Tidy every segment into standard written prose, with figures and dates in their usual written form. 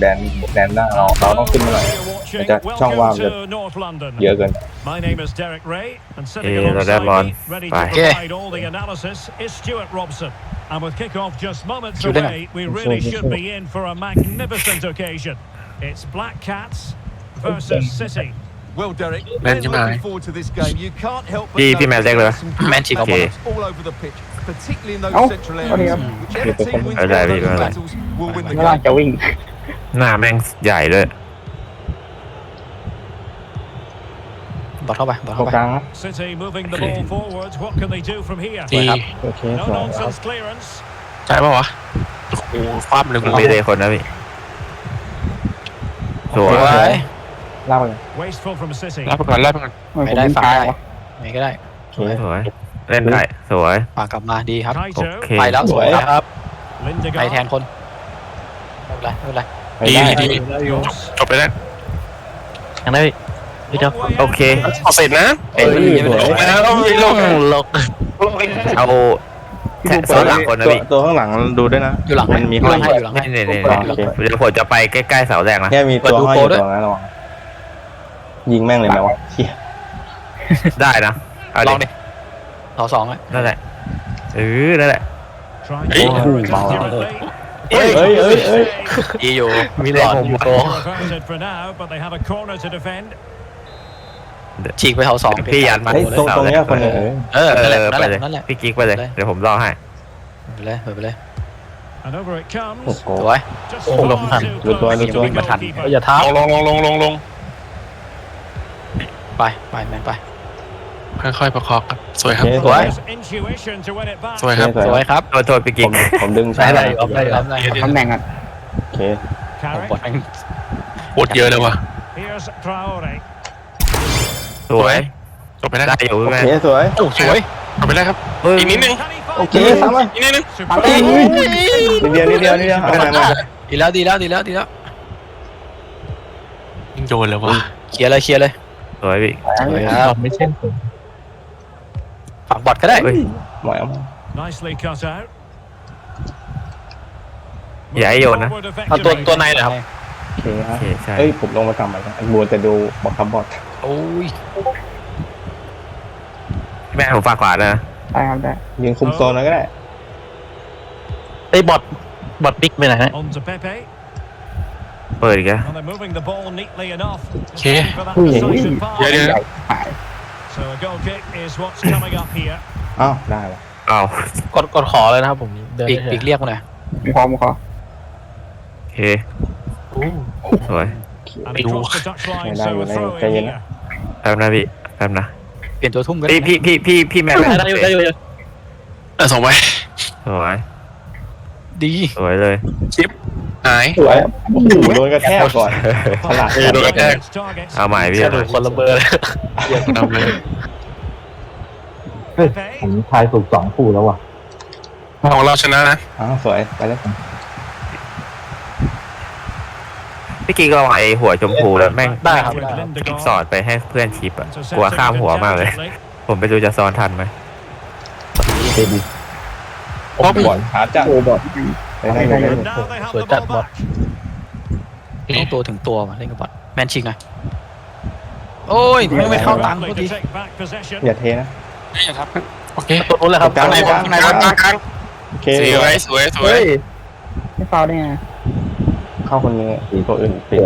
แดนหน้าเราต้องขึ้นมาหน่อยมันจะช่องว่างจะเยอะเกิน My name is Derek Ray and sitting เราได้ alongside บอล me, ready ไป to provide all the analysis is Stuart Robson. And with kick-off just moments away, we really should be in for a magnificent occasion. It's Black Cats versus City. Well, Derek, Man looking United. forward to this game. You can't help but พี่แมนเล็กเลย some แมนชิก good เอาบอล battles all over the pitch, particularly in those Oh, central sorry, areas. Whichever team wins เอา one ได้ of พี่ those เอาได้ battles will win the ข้างล่าง game. จะวิ่งหน้าแม่งใหญ่ด้วยบอลเข้าไปบอลตรเข้าง ไปกลางนะ City moving the ball forward. What can they do from here? สวยครับโอเค No สวย nonsense clearance. ใช่ป่าวะโอ้โหคว่ำเลยมันมีเลยคนนะพี่สวยสวยเล่าเลย Wasteful from City. รับไปก่อนรับไปก่อนไม่ได้ฝากได้ไงก็ได้โอเคสวยเล่นได้สวยฝากกลับมาดีครับโอ Kaito. เคไปแล้วสวยครับ Lindegaard. ไปแทนคนไม่เป็นไรไม่เป็นไรไปได้ดีจบไปแล้วยังได้พี่เจ้าโอเคเอาเสร็จนะเอ้ยสวยแล้วไม่ลงลกเอาแค่ซ้อนหลังคนนะพี่ตัวข้างหลังดูด้วยนะอยู่หลังมันมีอยู่ห้หอลัยงให้อยู่หลังให้นี่นี่โอเคเดี๋ยวผมจะไปใกล้ๆเสาแรกนะแค่มีตัวห้อยอยู่เปิดดูโปรด้วยตรงนั้นระวังยิงแม่งเลยไหมวะเชี่ยได้นะเอาลดิองดิต่อสองอ่ะนั่นแหละนั่นแหละ Try Hey. to counter Wow. accurately. เอ้ยดีอยู่มีแรงผมอยู่โโต Averted for now, but they have a corner to defend. ฉีกไปเสาสองพี่ยันมาเฮ้ยตรงเนี้ยคนนึงเออเอนั่นแหละอนั่นไปแหละเลยนั่นแหละพี่กิ๊กไปเลยเดี๋ยวผมรอให้ไปเลยไปเลย And over it โอ้ comes. โหสวย Just Oh, far lộn thành. too Lượt qua, close lượt to qua. the goalkeeper. อย่าท้าลงไปไปแมนไปค่อยๆประคองครับสวยครับโอเคสวย There's intuition to win it back. สวยครับสวยครับโทษพี่ผกิ๊กมดึงได้ช้าไรออฟได้รับได้ตำแหน่งอ่ะโอเคบอล Carrick. ปวดเยอะเลยว่ะ Here's Traore. สวยจบไปแล้วได้อยู่โอไหมเคสวยโอ้สวยจบไปแล้วครับ อีกนิดนึง Can he โอ find เค it? ทำมาอีกนิดนึงทำเลยนิดเดียวเอาไปดีแล้วดีแล้วดีแล้วดีแล้วยิงโดนเลยว่ะเคลียร์เลยเคลียร์เลยสวยพี่สวยครับไม่เช่นฝากบอดก็ได้เฮ้ยหมอยเอามา Nicely cut out. อย่าให้โยนนะ Forward เอาตัว effectively. ในเหรอครับโอเคฮะโอเคใช่เอ้ยผมลงมาทำอะไรกันบัวจะดูบอกคำบอดโอ้ยแม่ผมฝากขวานะได้ครับได้ยืนคุมโซนแล้วก็ได้ไอ้บอดบิ๊กไปไหนฮะ On to Pepe. เปิดอีกแล้ว And they're moving the ball neatly enough. Just Okay. looking for that decisive pass. เดี๋ยว So a goal kick is what's coming up here. อ้าวได้ละอ้าวกดขอเลยนะครับผมเดินบิ๊กเรียกมาหน่อยพร้อมขอโอเคสวย And across the touchline, Này, so a này, throw cây in gì here. แป๊บนะพี่แป๊บนะเปลี่ยนตัวทุ่มก็ได้พี่แม่ได้อยู่ได้อยู่ส่งไปสวยดีสวยเลยหายสวยโอ้โหโดนกระแทกก่อนฉลาดโดนกระแทก Its targets. เอาใหม่พี่กระดูกคนละเบอร์เลยนำเลย Pepe. ผมทายถูก2คู่แล้วว่ะของเราชนะนะอ้าวสวยไปเลยพี่กิ๊กก็เอาไอ้หัวชมพูแล้วแม่งได้ครับ With ได้ครับ Lindegaard. สอดไปให้เพื่อนชิปอะ Intercepted กลัวข้ามหัวมากเลย intelligently. ผมไปดูจะซ้อนทันไหมโอ้บอลหาจังโอ้บอลไปได้ไปได้ And now they have Rồi the chặn ball bọt. back. ต้องตัวถึงตัวมาเล่นกับบอดแมนชิงหน่อยโอ้ยไม่เข้าตังค์ Lovely พอดี to take back possession. อย่าเทนะนี่ครับโอเคตัวนู้นเลยครับกลางกลางโอเคสวยสวยไม่ฟาวได้ไงเข้าคนนึงตัวอื่นปิด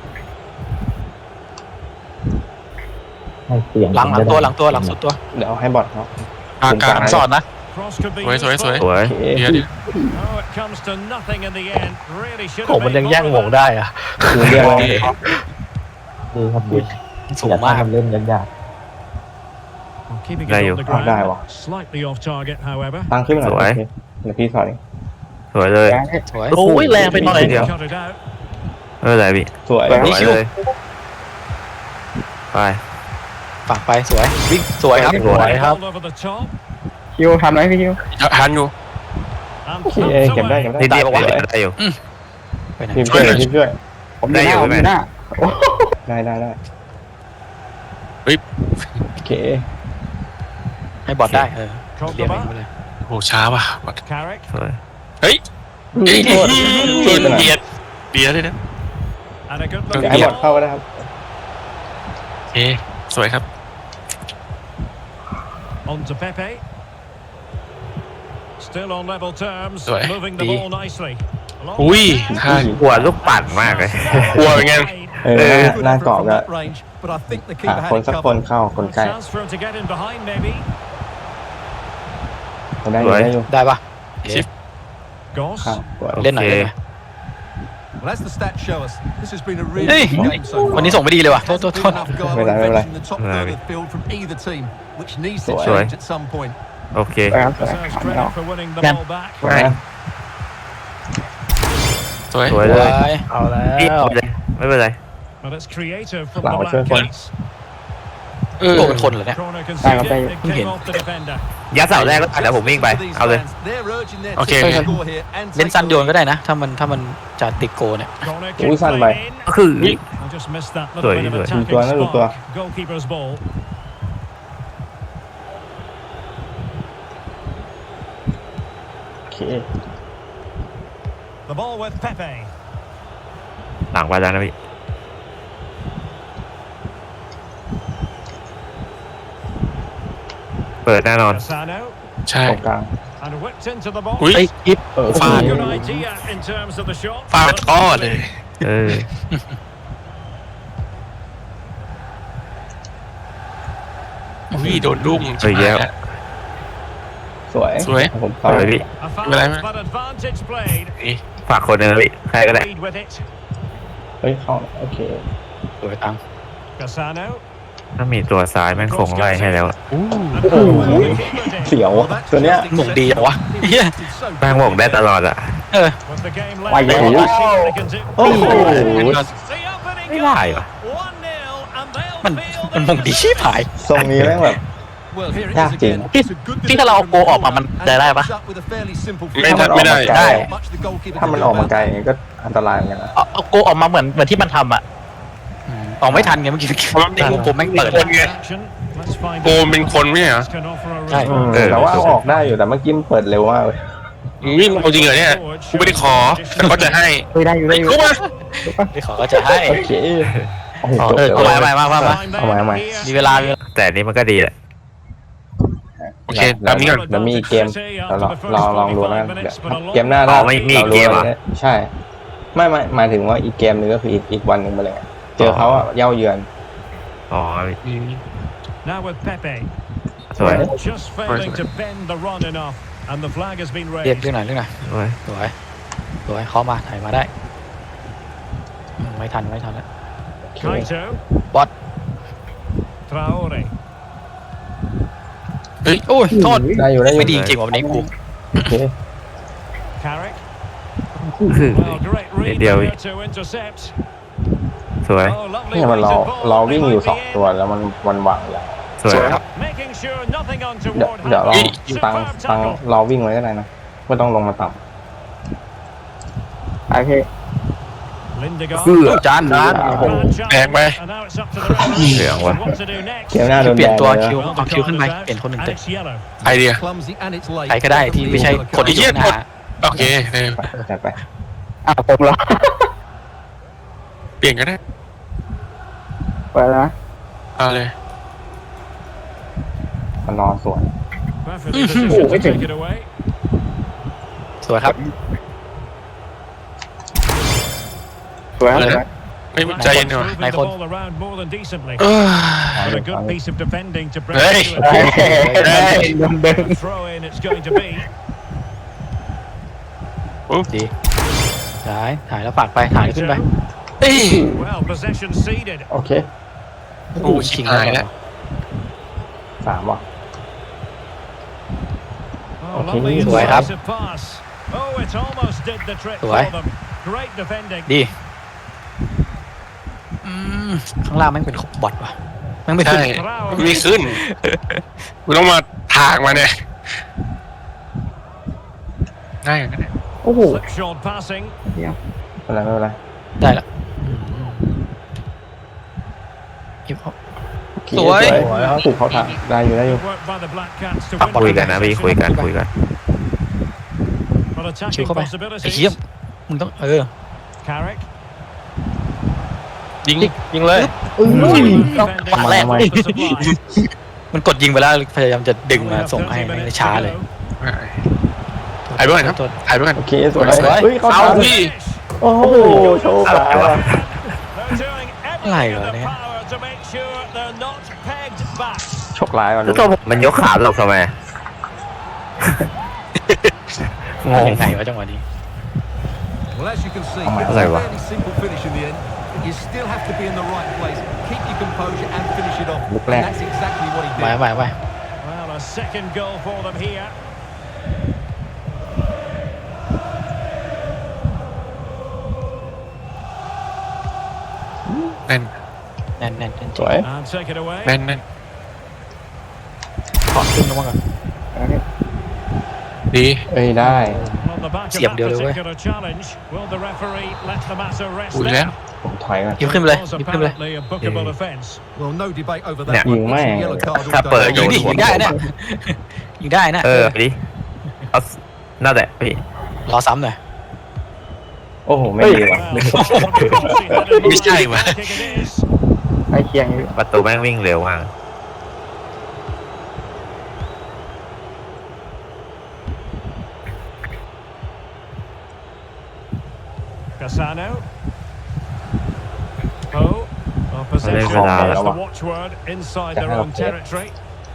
หลังตัวหลังสุดตัวเดี๋ยวให้บอลเขากลางสอนนะ Cross could be สวย useful. สวยโอเคเดี๋ยว Oh, it comes to nothing in the end. Really should ผม have มันยัง made แย่ง more หม of ง that. ได้อะดูเรียกดีสูงมาก Keeping Đây it rồi. on the Đây ground. rồi. Slightly off target, however. ตั้งขึ้นมาหน่อยสวยโอเคเดี๋ยวพี่สอนสวยเลยสวยโอ้ยแรงไปหน่อยเดี๋ยว Cut it out. ไม่เป็นไรพี่สวยสวยเลยไปฝั่งไปสวยวิ่งสวยครับสวยครับ Ball over the top. คิวทำไรพี่คิวหันอยู่ And โอเค thumped เก็บได้ away. เก็บได้นิดเดียวสวยได้อยู่ไปไหนทีมช่วยทีมช่วยผมอยู่หน้าผมอยู่หน้าได้ โอเคให้บอดได้เรียก Cordoba. ไปเลยโอ้ช้าว่ะ Carrick. สวยเฮ้ยโทษโดนเบียดเลยนะ And a good เดี๋ยว looking ให้บอล ball. เข้าก็ได้ครับโอเคสวยครับ On to Pepe. Still on level terms, Rồi. moving the Đi. ball nicely. Long Ui, pass. ท่าหัวลูกปั่นมากเลยกลัวเป็นไงเออหน้า Good กรอบ effort ก็ from that range, but I think the หา keeper คน had it สักคน covered. เข้าคนใกล้ Chance for him to get in behind, maybe. คนได้อยู่ได้อยู่ได้ปะชิป Goss. ข้างสวยเล่นหน่อยเล่นหน่อย Well, as the stats show us, this has been a really Hey. good game so far. วันนี้ส่งไม่ดีเลยว่ะโทษ Hasn't โท been ษ enough ไม่เป็นไร goal ไม่เป็นไร in the top third of the field from either team, which needs to Rồi. change at some point. โอเคสวยครับสวย Deserves ทำไม่ออก credit for winning the Nè. ball back. สวยนะสวยสวยสเลวย ยเอาแล้พี่วไม่เป็นไร But it's creative from Lão the chơi Black con. Cats. โดนเป็นคนเหรอเนี่ย Corner Đây, có conceded. tay. It Không came hiện. off the defender. ยัดเสาแรกแล้วเดี๋ยวผมวิ่งไป These เอาเลย fans, they're urging their Ok, team to ok. score here and เล่น take สั้น the โยน lead. ก็ได้นะ ถ้ามันจะติดโกเนี่ย Corner Ui, kick săn played mày. in. ก็คือ I just missed that Rồi, little bit of rồi. attacking Lùi tua, nó lùi tua. spark. Goalkeeper's ball. โอเค The ball with Pepe. หลังไปแล้วนะพี่เปิดแน่นอน Cassano. ใช่ตรงกลาง And whipped into the box. อุ้ยเฮ้ยอิฟเออฟาด Good idea in terms of the shot. ฟาดก้อเลยเอออุ้ยโดนลุ่มเฮ้ยแย่สวยสวยผมเอาเข้าเลยพี่ A foul, Bên đây. but advantage played. นี่ฝากคนหนึงนะพี่ใครก็ได้ Lead with it. เฮ้ยเข้าโอเคสวยตัง Cassano. ถ้ามีตัวซ้ายแม่งคงไล่ให้แล้ว And oh, the keeper did. เสียว Well, อะ that's ตัวเนี้ย just หม่งดีจังวะ exactly เฮีย what it's so แม่งบอกได้ตลอดอะ With the game Quay left, về. let's see what they can do. โอ้โห The opening ไม่ได้ goal. วะ 1-0, and they'll มัน feel มัน the หม่งดีชิบหายทรงนี้แม่งแบบ Well, here it Yạc is chỉnh. again. It's a good พี่ถ้าเราเอาโกออกมามัน and จะได้ปะ ends up with a fairly simple ไม่ finish. ทันไม่ได้ได้ Not much the goalkeeper ถ้า can มัน do ออกมา about ไกล that. อย่างงี้ก็อันตรายเหมือนกันนะเอาโกออกมาเหมือนที่มันทำอ่ะออกไม่ทันไงเมื่อกี้ในรูปผมแม่งเปิดคนไง action. Let's find โกมเป็นคนไม่เหรอ can offer a Right. result. เออแต่ว่าเอาออกได้อยู่แต่เมื่อกี้มันเปิดเร็วมากเลยวิ่งเอาจริงเหรอเนี่ยกูไม่ได้ขอแต่เขาจะให้เฮ้ยได้อยู่ได้อยู่กูมาไม่ขอก็จะให้โอเคโอ้โหจบเอาเลไปยมา Find เอา them ใหม่ here. มีเวลามีเวลาแต่อันนี้มันก็ดีแหละโอเคตามนี้ก่อนเดี๋ยวมีอีกเกมเราลองดูแล้วกันเดี๋ยวเกมหน้าอ๋อไม่มีอีกเกมเหรอใช่ ไม่หมายถึงว่าอีกเกมหนึงก็คืออีกวันหนึ่งไปเลย เจอเขาอะเย้าเยือนอ๋อ Now with Pepe. สวย Just failing to bend the run enough. And the flag has been เรียก raised. เรียกหน่อยเรียกหน่อยสวยสวยสวยเข้ามาถ่ายมาได้ไม่ทันแล้ว Kaito. Bot. Traore. โอ้ยโทษได้อยู่ไม่ดีจริงๆวันนี้กูโอเค Carrick. คือ Well, great read Điều- there to intercept. สวย Oh, lovely เนี่ยมัน weighted รอ ball. วิ่ง They อยู่ might สอง be in. ตัวแล้วมันวางอย่างสวยครับ Making sure nothing เดี๋ยว untoward เดี๋ยวลอง happens. ตัง Superb ตัง tackle. รอวิ่งไว้ก็ได้นะไม่ต้องลงมาต่โอเค Lindegaard. จาน Grand challenge. Đẹp vậy. And now it's up to the referee. Đẹp quá. What to do next? ำเกมหน้าโดนเปลี่แบยนนตัวเลยคิวนะ Well, เอา the คิวขึ้นไป card is เปลี่ยนคนหนึ่ง out, เตะ and it's yellow. ไอเดีย Clumsy and it's late. ใครก็ได้ที่ไม่ใช่คนที่อยู่ข้างหน้าโอเคเลยจัดไปอ้าวผมเหรอเปลี่ยนก็ได้เปิดแล้วนะเอาเลยมันนอนสวน Perfectly positioned to take it away. สวยครับสวยครับเปิดสแล้ววยไม่ใจเย็นหน่อย Moving the ball around more than decently. เออ But a good piece of defending to bring Hey. it to a เฮ้ยโดนดึง throw in. It's going to be. ดีถ่ายแล้วฝากไปถ่ายขึ้นไป Well, possession ceded. โอเคโอ้ชิงหายแล้ว 3 ว่ะ Oh, Okay, lovely good. incisive pass. Oh, it almost did the trick for Good. them. Great defending. ดีข้างล่างแม่งเป็นบอทว่ะแม่งไม่ขึ้นใช่ไม่ขึ้นกูต้องมาถากมาเนี่ยได้อย่างนั้นแหละโอ้โห Slipshod passing. ไม่เป็นไรได้ละเก็บเขาโอเคสวยถูกเขาถามได้อยู่ Work by the Black Cats to คุย win กันนะพี่คุยกัน But ชิว attacking เข้าไปไอ้ possibilities. เหี้ยมึงต้อง Carrick. ยิงเลยฝั่งแรก มันกดยิงไปแล้วพยายามจะดึงมาส่งให้ไม่ช้าเลยถ่ายไปก่อนครับโทษถ่ายไปก่อนโอเคสวยสวยเฮ้ยเขาเอาทำพี่โอ้โหโชว์ขาว่ะอะไรเหรอเนี่ยโชคร้ายว่ะแล้วตัวผมมันยกขาหลบทำไมงงยังไงวะจังหวะนี้ Well, as you can see, Oh, my it was a God. fairly simple finish in the end. You still have to be in the right place, keep your composure and finish it off. Look And left. that's exactly what he ไป did. ไป Well, a second goal for them here. แน่นแน่นแน่นสวย And take it away. แน่นแน่นขอขึ้นลงมาก่อนดีเอ้ยได้ On the back of Siap that dia dulu, particular challenge, will the referee let the matter rest อุ้ยแล้ว there? ผมถอยก่อนยิบขึ้นไปเลย Was ยิบขึ้นไปเลย apparently a bookable offence. Well, no debate over Yeah. that one. Nhìn It's a mẹ. yellow card all Tháp day bờ long. ยิงดิยิงได้เนี่ยยิงได้นะดิเอานั่นแหละพี่รอซ้ำหน่อยโอ้โหไม่ดีว่ะ Well, Biết sai mà. kick it is. ไอ้เคียงอยู่ประตูแม่งวิ่งเร็วมาก Cassano. Oh, opposition Lên về đà is rồi. the watchword inside their own territory.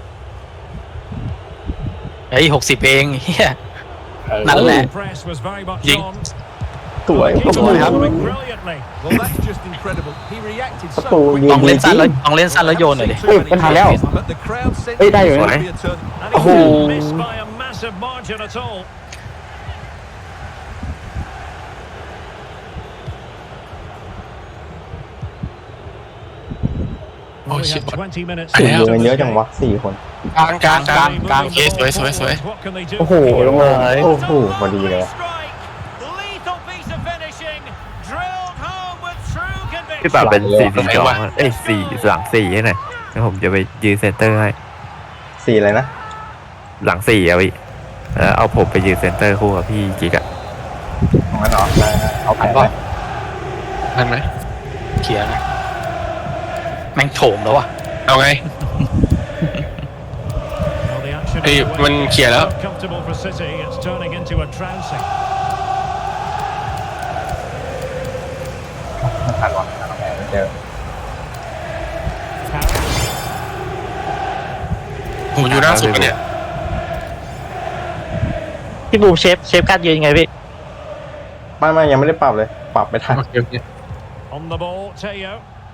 เฮ้ย60เองเฮียนั่นแหละ Press was very much Ding. on. สวย Keeper โอ้โห scoring brilliantly. Well, that's just incredible. He reacted so โอ้โห quickly. ยิลงองดีเล่นจสั้รินงแล้วลองเล่นสั้นแล้วโยนหน่อยดิ Too many เป็นทางแล้ว chances, but the crowd sensed เอ้ยได้อยู่ it นะ was gonna be a turn. And Oh. he didn't miss by a massive margin at all. Well, we shit, have what? 20 minutes ถึง left ดู of กัน the เยอะจัง game. วะ4 คนกลางกลางกลางกลางโอเคสวยสวยสวย What can they do โอ้โห from ล here? งเลยโอ้โหพอดีเลย Strike. Lethal piece of finishing. Drilled home with true พี่ป่า conviction. เป็นหลังเลย 4-4-2เอ้ย4หลัง4ให้หน่อยแล้วผมจะไปยืนเซนเตอร์ให้ 4อะไรนะหลัง4อะพี่แล้วเอาผมไปยืนเซนเตอร์คู่กับพี่กิ๊กอะของมันเหรอได้ๆเอาแผนก่ไว้อนทันไหมเคลียร์นะแม่งโถมแล้ววะเอาไง Well, the action Ê, underway. mình khỉa đó. So comfortable for City. It's turning into a trouncing. ไม่ทันวะเอาแผนไม่เจอ Harris. ผมอยู่หน้าสุดเนี่ยพี่บูมเชฟการ์ดยืนยังไงพี่ไม่ยังไม่ได้ปรับเลย ปรับไปทันโอเคโอเค On the ball, Teo.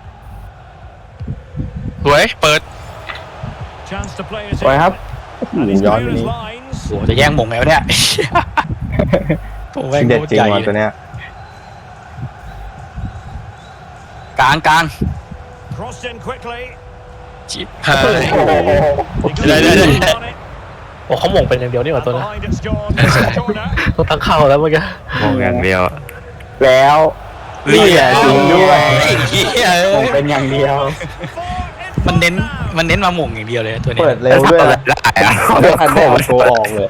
สวยเปิด Chance to play it สวยครับ And he's ย้อน clear ไป his นี้ lines. โอ้จะแย่งหมงไงวะเนี่ยโอ้แม่งเด็ดโคตจริงใหญ่ว่ะเลตัวย เนี้ยกลาง Crossed in quickly. หาย He got Đây, đây, đây. on it. โอ้เขาหม่งเป็นอย่างเดียวนี่หว่า And ตัวนะ behind it's John. It's a corner. ต้องตั้งเข้าแล้วเมื่อกี้มองอย่างเดียวอะแล้วนี่แหละจริงด้วยไอ้เหี้ยผมเป็นอย่างเดียว Four in มันเน้น front now. มันเน้นมาหม่งอย่างเดียวเลยตัวเนี้ยเปิดเร็วด้วยนะได้อะไม่ทันได้เอาตัวออกเลย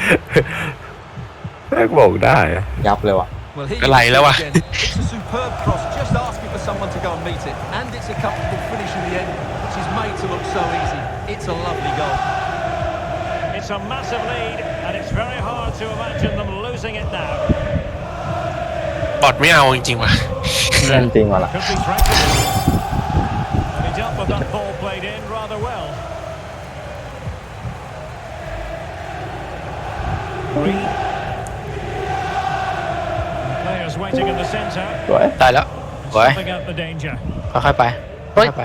แม่งบอกได้อะยับเลยว่ะ Well, here ก็ you ไหล see แล้วว่ะ again. It's a superb cross, just asking for someone to go and meet it. And it's a comfortable finish in the end, which is made to look so easy. It's a lovely goal. It's a massive lead, and it's very hard to imagine them losing it now. บอดไม่เอาจริงๆว่ะเล่นจริงว่ะล่ะ Could be threatened. And he dealt with that ball played in rather well. Reed. And players waiting in the centre. สวยได้แล้วสวย Snuffing out the danger. ค่อยๆไปค่อยๆไป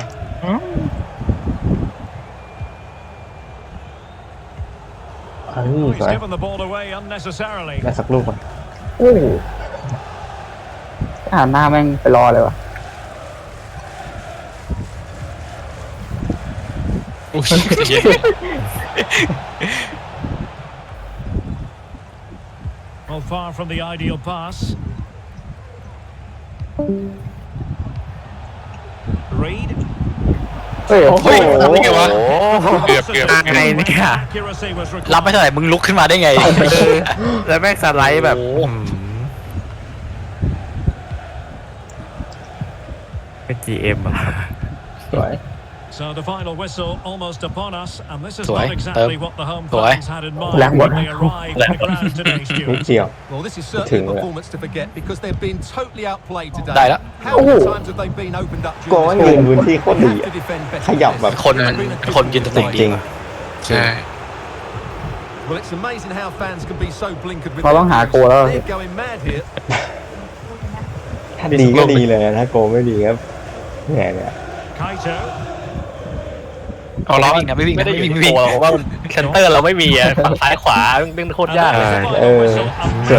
เฮ้ย Oh, ส he's วย given the ball away unnecessarily. ได้สักลูกก่อนโอ้โหหันหน้าแม่งไปรอเลยว่ะอุ้ยเย็น Well, far from the ideal pass. Reed. เฮ้ยโอ้โหทำได้ไงวะ เกือบไงเนี่ย Accuracy was รับไม่ required. เท่าไหร่มึงลุกขึ้นมาได้ไงแล้วแม่งสไลด์แบบโอ้โหเป็น GM อะครับสวย So the final whistle almost upon us, and this is Tuổi, not exactly Tôm. what the home Tuổi. fans had in mind Lãng when bột. they arrived at the ground today, นิด Stuart. เดียว Well, this is Thưởng certainly a rồi ạ. performance to forget because they've been totally outplayed today. Đây đó. How many times have they been opened up ก็ during ว่า this ยืน game? พื้นที่โคตร They ดี have อะ to defend better ขยับ than แบบ this. คนมัน They've been a คนยืนตำแหน่งจดีริงว่ะใช่ Well, it's amazing how fans can be so blinkered with เราต้องหาโกแล้ว They're going mad here. ถ้าดีก็ดีเลยนะถ้าโกไม่ดีก็แหมเนี่ย Kaito. เอาล้อไม่วิ่งนะไม่วิ่งไม่นะได้ไม่อยู่วิ่งที่ไม่วิ่งโกเราเพราะว่าเซนเตอร์เราไม่มีอะฝั่งซ้ายขวาเป็นโคตรยาก And เลย there's the Ờ, final whistle, and